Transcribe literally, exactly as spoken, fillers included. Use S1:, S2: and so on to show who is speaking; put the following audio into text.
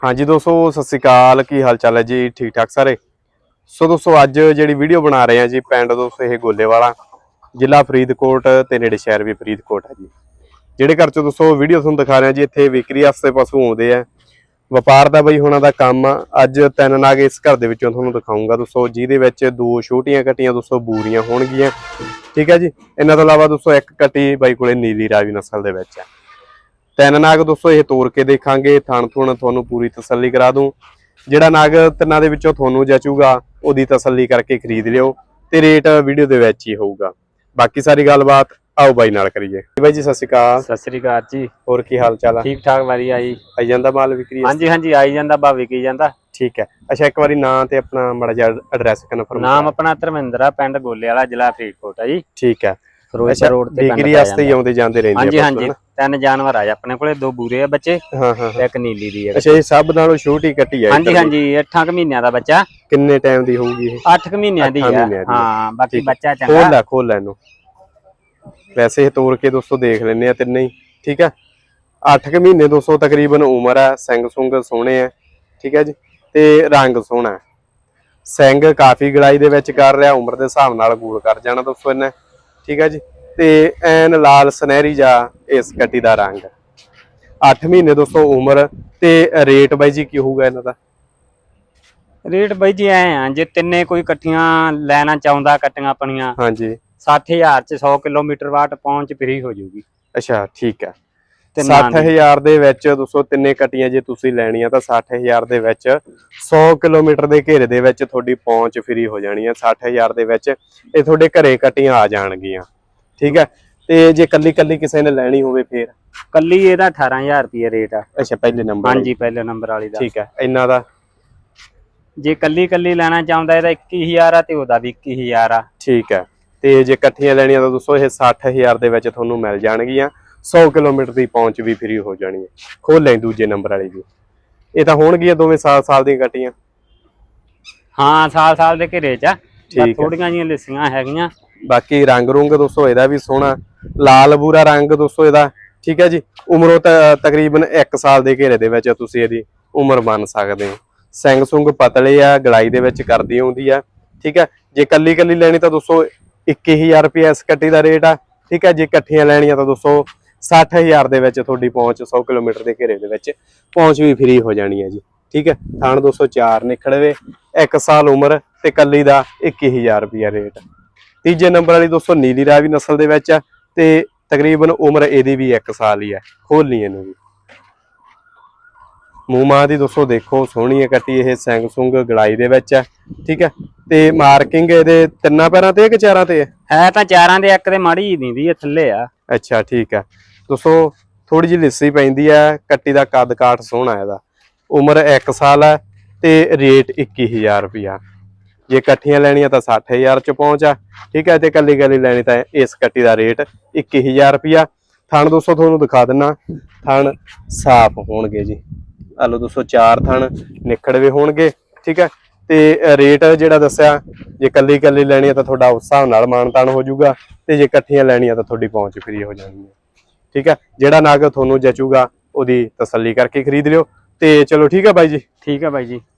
S1: हाँ जी दोस्तों, सत श्री अकाल। की हाल चाल है जी? ठीक ठाक सारे। सो दोस्तों अज जी वीडियो बना रहे हैं जी पिंड दोस्तों ये गोलेवाला, जिला फरीदकोट ते नेड़े शहर भी फरीदकोट है जी। ਜਿਹੜੇ घर चो दोस्तों वीडियो तुहानूं दिखा रहे हैं जी, इत्थे विक्री वास्ते पशु आउंदे आ। ਵਪਾਰ ਦਾ ਬਈ ਹੁਣਾਂ ਦਾ ਕੰਮ ਆ। ਅੱਜ ਤਿੰਨ ਨਾਗ ਇਸ ਘਰ ਦੇ ਵਿੱਚੋਂ ਤੁਹਾਨੂੰ ਦਿਖਾਉਂਗਾ ਦੋਸਤੋ, ਜਿਹਦੇ ਵਿੱਚ ਦੋ ਛੋਟੀਆਂ ਕੱਟੀਆਂ ਦੋਸਤੋ ਬੂਰੀਆਂ ਹੋਣਗੀਆਂ। ਠੀਕ ਹੈ ਜੀ। ਇਹਨਾਂ ਤੋਂ ਇਲਾਵਾ ਦੋਸਤੋ ਇੱਕ ਕੱਟੀ ਬਾਈ ਕੋਲੇ ਨੀਲੀ ਰਾਵੀ ਨਸਲ ਦੇ ਵਿੱਚ ਆ। ਤਿੰਨ ਨਾਗ ਦੋਸਤੋ ਇਹ ਤੋੜ ਕੇ ਦੇਖਾਂਗੇ, ਥਣ ਥੁਣ ਤੁਹਾਨੂੰ ਪੂਰੀ ਤਸੱਲੀ ਕਰਾ ਦੂੰ। ਜਿਹੜਾ ਨਾਗ ਤਿੰਨਾਂ ਦੇ ਵਿੱਚੋਂ ਤੁਹਾਨੂੰ ਜਚੂਗਾ ਉਹਦੀ ਤਸੱਲੀ ਕਰਕੇ ਖਰੀਦ ਲਿਓ ਤੇ ਰੇਟ ਵੀਡੀਓ ਦੇ ਵਿੱਚ ਹੀ ਹੋਊਗਾ। ਬਾਕੀ ਸਾਰੀ ਗੱਲਬਾਤ आओ बाई नाल करिए। बाई जी सत श्री अकाल।
S2: सत श्री अकाल जी।
S1: और की हाल चाल है?
S2: ठीक ठाक वधिया जी।
S1: आई जांदा माल विक्री?
S2: हाँ जी हाँ जी आई जांदा, बा विकी जांदा।
S1: ठीक है। अच्छा एक बारी नाम ते अपना माड़ा जिहा एड्रैस कन्फर्म।
S2: नाम अपना धर्मेंद्र, पिंड गोलेवाला, जिला फरीदकोट है जी।
S1: ठीक है।
S2: फिरोजपुर रोड ते
S1: विक्री वास्ते ही आउंदे जांदे रहिंदे।
S2: हाँ जी हाँ जी। तीन जानवर आ अपने कोले, दो बूरे आ बच्चे,
S1: हां हां
S2: एक नीली दी है।
S1: अच्छा ये सब नालों छोटी कट्टी है?
S2: हाँ जी हाँ जी। आठ क महीनों दा बच्चा।
S1: किन्ने टाइम दी होगी ये?
S2: आठ क महीनों दी है। हां बाकी बच्चा चंगा।
S1: खोल ला खोल ला इनू। वैसे तोड़ के दोस्तों देख लेने आ तिन्ने ही। ठीक है। अठ क महीने दोस्तों तकरीबन उम्र है। सिंग सुंग सोहणे है। ठीक है जी। ते रंग सोहना है। सिंग काफी गड़ाई दे विच कर रहा, उम्र के हिसाब नाल गूल कर जाना दोस्तों इन्हें। ठीक है जी। ते ऐन लाल सुनहरी जा इस कट्टी दा रंग। अठ महीने दोस्तों उम्र ते रेट बाई जी की होगा इन्हां दा?
S2: रेट बाई जी ऐ आ, जे तिन्ने कोई कट्टियां लेना चाहुंदा कट्टियां अपनियां,
S1: हाँ जी,
S2: सठ हजार च सौ किलोमीटर वाट पहुंच फ्री हो जाऊगी।
S1: अच्छा ठीक है। सठ हजार ਦੇ ਵਿੱਚ ਦੋਸਤੋ ਤਿੰਨੇ ਕੱਟੀਆਂ ਜੇ ਤੁਸੀਂ ਲੈਣੀਆਂ ਤਾਂ ਸੱਠ ਹਜ਼ਾਰ ਦੇ ਵਿੱਚ ਸੌ ਕਿਲੋਮੀਟਰ ਦੇ ਘੇਰੇ ਦੇ ਵਿੱਚ ਤੁਹਾਡੀ ਪਹੁੰਚ ਫ੍ਰੀ ਹੋ ਜਾਣੀ ਹੈ। ਸੱਠ ਹਜ਼ਾਰ ਦੇ ਵਿੱਚ ਇਹ ਤੁਹਾਡੇ ਘਰੇ ਕੱਟੀਆਂ ਆ ਜਾਣਗੀਆਂ। ਠੀਕ ਹੈ। ਤੇ ਜੇ ਕੱਲੀ ਕੱਲੀ ਕਿਸੇ ਨੇ ਲੈਣੀ ਹੋਵੇ ਫੇਰ?
S2: ਕੱਲੀ ਇਹਦਾ ਅਠਾਰਾਂ ਹਜ਼ਾਰ ਰੁਪਏ ਰੇਟ ਆ।
S1: ਅੱਛਾ ਪਹਿਲੇ ਨੰਬਰ?
S2: ਹਾਂਜੀ ਪਹਿਲੇ ਨੰਬਰ ਵਾਲੀ ਦਾ।
S1: ਠੀਕ ਹੈ। ਇਹਨਾਂ ਦਾ
S2: ਜੇ ਕੱਲੀ ਕੱਲੀ ਲੈਣਾ ਚਾਹੁੰਦਾ ਇਹਦਾ ਇੱਕੀ ਹਜ਼ਾਰ ਆ ਤੇ ਉਹਦਾ ਵੀ ਇੱਕੀ ਹਜ਼ਾਰ ਆ।
S1: ਠੀਕ ਹੈ। ਤੇ ਜੇ ਇਕੱਠੀਆਂ ਲੈਣੀਆਂ ਤਾਂ ਦੋਸਤੋ ਇਹ ਸੱਠ ਹਜ਼ਾਰ ਦੇ ਵਿੱਚ ਤੁਹਾਨੂੰ ਮਿਲ ਜਾਣਗੀਆਂ। ਸੌ ਕਿਲੋਮੀਟਰ ਦੀ ਪਹੁੰਚ ਵੀ ਫ੍ਰੀ ਹੋ ਜਾਣੀ ਹੈ। ਖੋਲ ਲੈ ਦੂਜੇ ਨੰਬਰ ਵਾਲੀ ਵੀ। ਇਹ ਤਾਂ ਹੋਣਗੀਆਂ ਦੋਵੇਂ ਸਾਲ ਸਾਲ ਦੀਆਂ ਕੱਟੀਆਂ?
S2: ਹਾਂ ਸਾਲ ਸਾਲ ਦੇ ਘੇਰੇ ਚ ਆ।
S1: ਠੀਕ
S2: ਥੋੜੀਆਂ ਜੀਆਂ ਲਿੱਸੀਆਂ ਹੈਗੀਆਂ।
S1: ਬਾਕੀ ਰੰਗ ਰੁੰਗ ਦੋਸਤੋ ਇਹਦਾ ਵੀ ਸੋਹਣਾ ਲਾਲ ਬੂਰਾ ਰੰਗ ਦੋਸਤੋ ਇਹਦਾ। ਠੀਕ ਹੈ ਜੀ। ਉਮਰੋਂ ਤਕਰੀਬਨ ਇੱਕ ਸਾਲ ਦੇ ਘੇਰੇ ਦੇ ਵਿੱਚ ਤੁਸੀਂ ਇਹਦੀ ਉਮਰ ਮੰਨ ਸਕਦੇ ਹੋ। ਸਿੰਗ ਸੁੰਗ ਪਤਲੇ ਆ, ਗਲਾਈ ਦੇ ਵਿੱਚ ਕਰਦੀ ਆਉਂਦੀ ਆ। ਠੀਕ ਹੈ। ਜੇ ਕੱਲੀ ਕੱਲੀ ਲੈਣੀ ਤਾਂ ਦੋਸਤੋ ਇੱਕੀ ਹਜ਼ਾਰ ਰੁਪਏ ਇਸ ਕੱਟੀ ਦਾ ਰੇਟ ਆ। ਠੀਕ ਹੈ। ਜੇ ਇਕੱਠੀਆਂ ਲੈਣੀਆਂ ਤਾਂ ਦੋਸਤੋ ਸੱਠ ਹਜ਼ਾਰ ਦੇ ਵਿੱਚ ਤੁਹਾਡੀ ਪਹੁੰਚ ਸੌ ਕਿਲੋਮੀਟਰ ਦੇ ਘੇਰੇ ਦੇ ਵਿੱਚ ਪਹੁੰਚ ਵੀ ਫ੍ਰੀ ਹੋ ਜਾਣੀ ਹੈ ਜੀ। ਠੀਕ ਹੈ। ਥਣ ਦੋ ਸੌ ਚਾਰ ਨਿਕੜਵੇ, ਇੱਕ ਸਾਲ ਉਮਰ ਤੇ ਕੱਲੀ ਦਾ ਇੱਕੀ ਹਜ਼ਾਰ ਰੁਪਇਆ ਰੇਟ। ਤੀਜੇ ਨੰਬਰ ਵਾਲੀ ਦੋਸਤੋ ਨੀਲੀ ਰਾਵੀ ਨਸਲ ਦੇ ਵਿੱਚ ਆ ਤੇ ਤਕਰੀਬਨ ਉਮਰ ਇਹਦੀ ਵੀ ਇੱਕ ਸਾਲ ਹੀ ਹੈ। ਖੋਲਣੀ ਇਹਨੂੰ ਵੀ। ਮੂੰਹ ਮਾਂ ਦੀ ਦੋਸਤੋ ਦੇਖੋ ਸੋਹਣੀ ਹੈ ਕੱਟੀ, ਇਹ ਸਿੰਗ ਸੁੰਗ ਗਲਾਈ ਦੇ ਵਿੱਚ ਹੈ। ਠੀਕ ਹੈ। ਤੇ ਮਾਰਕਿੰਗ ਇਹਦੇ ਤਿੰਨਾਂ ਪੈਰਾਂ ਤੇ ਕਿ ਚਾਰਾਂ ਤੇ ਹੈ?
S2: ਹੈ ਤਾਂ ਚਾਰਾਂ ਦੇ, ਇੱਕ ਤੇ ਮਾੜੀ ਜੀ ਦਿੰਦੀ ਹੈ ਥੱਲੇ ਆ।
S1: ਅੱਛਾ ਠੀਕ ਹੈ। ਦੋਸਤੋ ਥੋੜੀ ਜਿਹੀ ਲਿੱਸੀ ਪੈਂਦੀ ਹੈ। ਕੱਟੀ ਦਾ ਕੱਦ ਕਾਠ ਸੋਹਣਾ ਇਹਦਾ। ਉਮਰ ਇੱਕ ਸਾਲ ਹੈ ਤੇ ਰੇਟ ਇੱਕੀ ਹਜ਼ਾਰ ਰੁਪਇਆ। ਜੇ ਇਕੱਠੀਆਂ ਲੈਣੀਆਂ ਤਾਂ ਸੱਠ ਹਜ਼ਾਰ ਚ ਪਹੁੰਚ ਆ। ਠੀਕ ਹੈ। ਤੇ ਕੱਲੀ ਕੱਲੀ ਲੈਣੀ ਤਾਂ ਇਸ ਕੱਟੀ ਦਾ ਰੇਟ ਇੱਕੀ ਹਜ਼ਾਰ ਰੁਪਇਆ। ਥਣ ਦੋਸਤੋ ਤੁਹਾਨੂੰ ਦਿਖਾ ਦਿੰਨਾ, ਥਣ ਸਾਫ਼ ਹੋਣਗੇ ਜੀ। ਆ ਲਓ ਦੋਸਤੋ ਚਾਰ ਥਣ ਨਿਖੜਵੇ ਹੋਣਗੇ। ਠੀਕ ਹੈ। ਤੇ ਰੇਟ ਜਿਹੜਾ ਦੱਸਿਆ ਜੇ ਕੱਲੀ ਕੱਲੀ ਲੈਣੀ ਹੈ ਤਾਂ ਤੁਹਾਡਾ ਉਸ ਹਿਸਾਬ ਨਾਲ ਮਾਨਤਾਨ ਹੋ ਜਾਊਗਾ ਤੇ ਜੇ ਇਕੱਠੀਆਂ ਲੈਣੀਆਂ ਤਾਂ ਤੁਹਾਡੀ ਪਹੁੰਚ ਫ੍ਰੀ ਹੋ ਜਾਣੀ ਹੈ। ਠੀਕ ਹੈ। ਜਿਹੜਾ ਨਗ ਤੁਹਾਨੂੰ ਜਚੂਗਾ ਉਹਦੀ ਤਸੱਲੀ ਕਰਕੇ ਖਰੀਦ ਲਿਓ ਤੇ ਚਲੋ ਠੀਕ ਹੈ ਬਾਈ ਜੀ।
S2: ਠੀਕ ਹੈ ਬਾਈ ਜੀ।